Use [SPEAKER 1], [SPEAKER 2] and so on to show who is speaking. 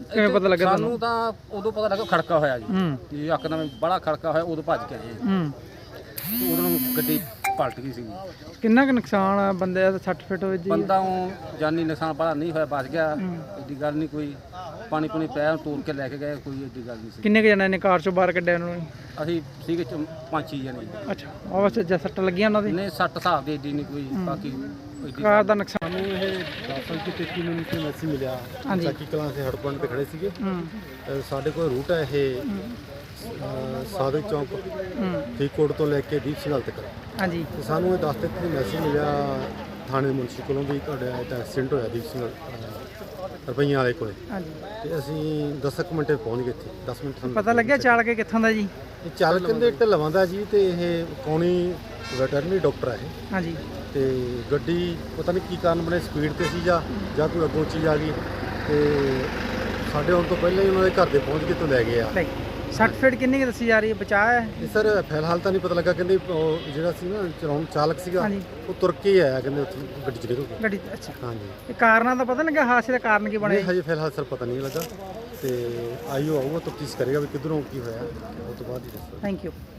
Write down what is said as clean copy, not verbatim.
[SPEAKER 1] ਕਿਵੇਂ ਪਤਾ ਲੱਗਾ
[SPEAKER 2] ਸਾਨੂੰ ਤਾਂ ਉਦੋਂ ਪਤਾ ਲੱਗਾ ਖੜਕਾ ਹੋਇਆ ਜੀ ਕਿ ਇੱਕਦਮ ਬੜਾ ਖੜਕਾ ਹੋਇਆ, ਉਦੋਂ ਭੱਜ ਕੇ ਆਏ ਤੇ ਉਦੋਂ ਨੂੰ ਗੱਡੀ ਪਲਟ ਗਈ ਸੀ।
[SPEAKER 1] ਕਿੰਨਾ ਕੁ ਨੁਕਸਾਨ ਆ ਬੰਦੇ ਦਾ? 60 ਫਿਟ ਹੋਏ ਜੀ
[SPEAKER 2] ਬੰਦਾ ਜਾਨੀ ਨੁਕਸਾਨ ਬੜਾ ਨਹੀਂ ਹੋਇਆ, ਬਚ ਗਿਆ, ਏਡੀ ਗੱਲ ਨਹੀਂ ਕੋਈ। ਪਾਣੀ ਪੂਣੀ ਪਿਆ, ਤੋੜ ਕੇ ਲੈ ਕੇ ਗਏ, ਕੋਈ ਏਡੀ ਗੱਲ ਨਹੀਂ ਸੀ।
[SPEAKER 1] ਕਿੰਨੇ ਕੁ ਜਣੇ ਨੇ ਕਾਰ ਚੋਂ ਬਾਹਰ ਕੱਢਿਆ ਉਹਨਾਂ ਨੂੰ?
[SPEAKER 2] ਅਸੀਂ ਸੀਗੇ 5-6 ਜਣੇ।
[SPEAKER 1] ਅੱਛਾ, ਉਹ ਜੇ ਸੱਟ ਲੱਗੀਆਂ ਉਹਨਾਂ ਦੀ?
[SPEAKER 2] ਨਹੀਂ, 60 ਹਿਸਾਬ ਦੀ ਏਡੀ ਨਹੀਂ ਕੋਈ, ਬਾਕੀ
[SPEAKER 1] ਕਾਰ ਦਾ ਨੁਕਸਾਨ।
[SPEAKER 3] ਸਾਨੂੰ ਇਹ 10:33 ਮਿੰਟ ਤੇ ਮੈਸੇਜ ਮਿਲਿਆ, ਚੱਕੀ ਕਲਾਂ ਦੇ ਹੜ ਪੁਆਇੰਟ ਤੇ ਖੜੇ ਸੀਗੇ। ਸਾਡੇ ਕੋਲ ਰੂਟ ਹੈ ਇਹ ਸਾਦਿਕ ਚੌਂਕ ਫਰੀਦਕੋਟ ਤੋਂ ਲੈ ਕੇ ਦੀਪ ਸਿੰਘ ਹਾਲ ਤੱਕ।
[SPEAKER 1] ਹਾਂਜੀ,
[SPEAKER 3] ਤੇ ਸਾਨੂੰ ਇਹ 10:33 ਮੈਸੇਜ ਮਿਲਿਆ ਥਾਣੇ ਮੁਨਸੀ ਕੋਲੋਂ ਵੀ ਤੁਹਾਡਾ ਐਕਸੀਡੈਂਟ ਹੋਇਆ ਦੀਪ ਸਿੰਘ ਰੁਪਈਆਂ ਵਾਲੇ ਕੋਲੇ।
[SPEAKER 1] ਹਾਂਜੀ,
[SPEAKER 3] ਤੇ ਅਸੀਂ 10 ਮਿੰਟ ਪਹੁੰਚ ਗਏ ਇੱਥੇ। 10 ਮਿੰਟ ਸਾਨੂੰ
[SPEAKER 1] ਪਤਾ ਲੱਗਿਆ ਚਾਲਕ ਕਿੱਥੋਂ ਦਾ ਜੀ?
[SPEAKER 3] ਇਹ ਚਾਲਕ ਕਹਿੰਦੇ ਢਲਵਾਂ ਦਾ ਜੀ, ਤੇ ਇਹ ਕੌਣੀ ਵੈਟਰਨਰੀ ਡਾਕਟਰ ਹੈ ਇਹ।
[SPEAKER 1] ਹਾਂਜੀ,
[SPEAKER 3] ਤੇ ਗੱਡੀ ਪਤਾ ਨਹੀਂ ਕੀ ਕਾਰਨ ਬਣੇ, ਸਪੀਡ ਤੇ ਸੀ ਜਾਂ ਕੋਈ ਅੱਗੋਂ ਚੀਜ਼ ਆ ਗਈ, ਤੇ ਸਾਡੇ ਆਉਣ ਤੋਂ ਪਹਿਲਾਂ ਹੀ ਉਹਨਾਂ ਦੇ ਘਰ ਦੇ ਪਹੁੰਚ ਕੇ ਤੋਂ ਲੈ ਗਏ ਆ।
[SPEAKER 1] 60 ਫਿਟ ਕਿੰਨੀ ਕੁ ਦੱਸੀ ਜਾ ਰਹੀ ਹੈ? ਬਚਾਅ ਹੈ?
[SPEAKER 3] ਇਹ ਸਰ ਫਿਲਹਾਲ ਤਾਂ ਨਹੀਂ ਪਤਾ ਲੱਗਾ, ਕਹਿੰਦੇ ਉਹ ਜਿਹੜਾ ਸੀ ਨਾ ਚਲਾਉਣ ਚਾਲਕ ਸੀਗਾ ਉਹ ਤੁਰ ਕੇ ਹੀ ਆਇਆ, ਕਹਿੰਦੇ ਉੱਥੇ ਗੱਡੀ 'ਚ ਨਿਕਲ ਕੇ।
[SPEAKER 1] ਗੱਡੀ ਅੱਛਾ,
[SPEAKER 3] ਹਾਂਜੀ।
[SPEAKER 1] ਇਹ ਕਾਰਨਾਂ ਦਾ ਪਤਾ ਨਹੀਂ ਲੱਗਾ, ਹਾਦਸੇ ਦਾ ਕਾਰਨ ਕੀ ਬਣਿਆ?
[SPEAKER 3] ਹਜੇ ਫਿਲਹਾਲ ਸਰ ਪਤਾ ਨਹੀਂ ਲੱਗਾ, ਤੇ ਆਈਓ ਆਊਗਾ ਤਫਤੀਸ਼ ਕਰੇਗਾ ਵੀ ਕਿੱਧਰੋਂ ਕੀ ਹੋਇਆ, ਉਸ ਤੋਂ ਬਾਅਦ ਹੀ ਦੱਸੋ।
[SPEAKER 1] Thank you.